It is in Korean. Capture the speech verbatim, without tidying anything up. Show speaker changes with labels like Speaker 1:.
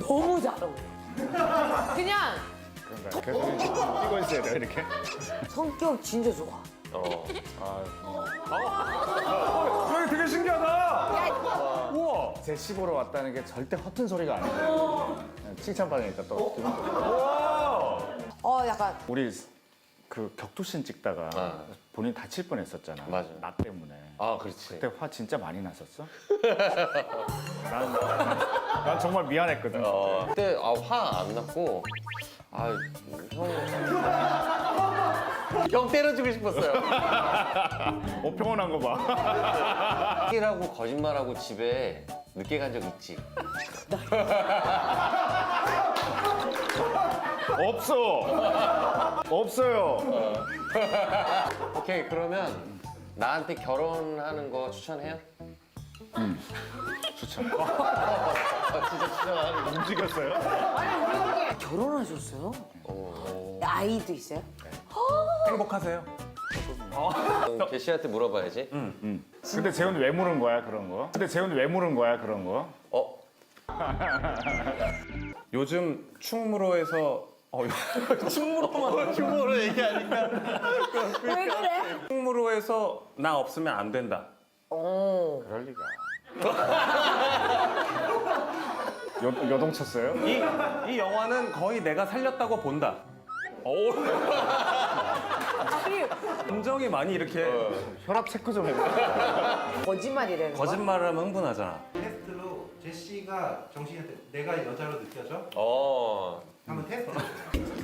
Speaker 1: 너무 잘 어울려. 그냥
Speaker 2: 그런가? 계속 뛰고 있어야 돼 이렇게.
Speaker 1: 성격 진짜 좋아.
Speaker 3: 어.
Speaker 2: 어, 되게 신기하다. 우와. 제 시보러 왔다는 게 절대 허튼 소리가 아니에요. 그냥 칭찬받으니까 또 기분 좋고.
Speaker 1: 어, 약간
Speaker 2: 우리 그 격투신 찍다가
Speaker 3: 아.
Speaker 2: 본인 다칠 뻔했었잖아.
Speaker 3: 맞아.
Speaker 2: 나 때문에.
Speaker 3: 아, 그렇지.
Speaker 2: 그때 화 진짜 많이 났었어? 난, 난, 난 정말 미안했거든.
Speaker 3: 어, 그때 아, 화 안 났고, 아, 형. 형 때려주고 싶었어요.
Speaker 2: 어, 평온한 거 봐.
Speaker 3: 이라고 거짓말하고 집에 늦게 간 적 있지.
Speaker 2: 없어. 없어요.
Speaker 3: 오케이, 그러면 나한테 결혼하는 거 추천해요?
Speaker 2: 추천.
Speaker 3: 아, 진짜 추천하는 거.
Speaker 2: 움직였어요?
Speaker 1: 결혼하셨어요? 아이도 있어요?
Speaker 4: 행복하세요?
Speaker 3: 그럼 개 씨한테 물어봐야지.
Speaker 2: 응. 근데 재훈이 왜 물은 거야 그런 거? 근데 재훈이 왜 물은 거야 그런 거?
Speaker 3: 어?
Speaker 4: 요즘 충무로에서 어, 충무로만
Speaker 3: 휴머로 얘기하니까.
Speaker 1: 왜 그래?
Speaker 4: 충무로에서 나 없으면 안 된다.
Speaker 1: 어.
Speaker 2: 그럴 리가. 여, 여동 쳤어요?
Speaker 4: 이, 이 영화는 거의 내가 살렸다고 본다. 오.
Speaker 1: 아니,
Speaker 4: 감정이 많이 이렇게
Speaker 2: 혈압 체크 좀 해봐.
Speaker 1: 거짓말이라는 거.
Speaker 4: 거짓말을 하면 흥분하잖아.
Speaker 5: 테스트로 제시가 정신한테 내가 여자로 느껴져?
Speaker 3: 어.
Speaker 5: 한번 테스트 해보세요.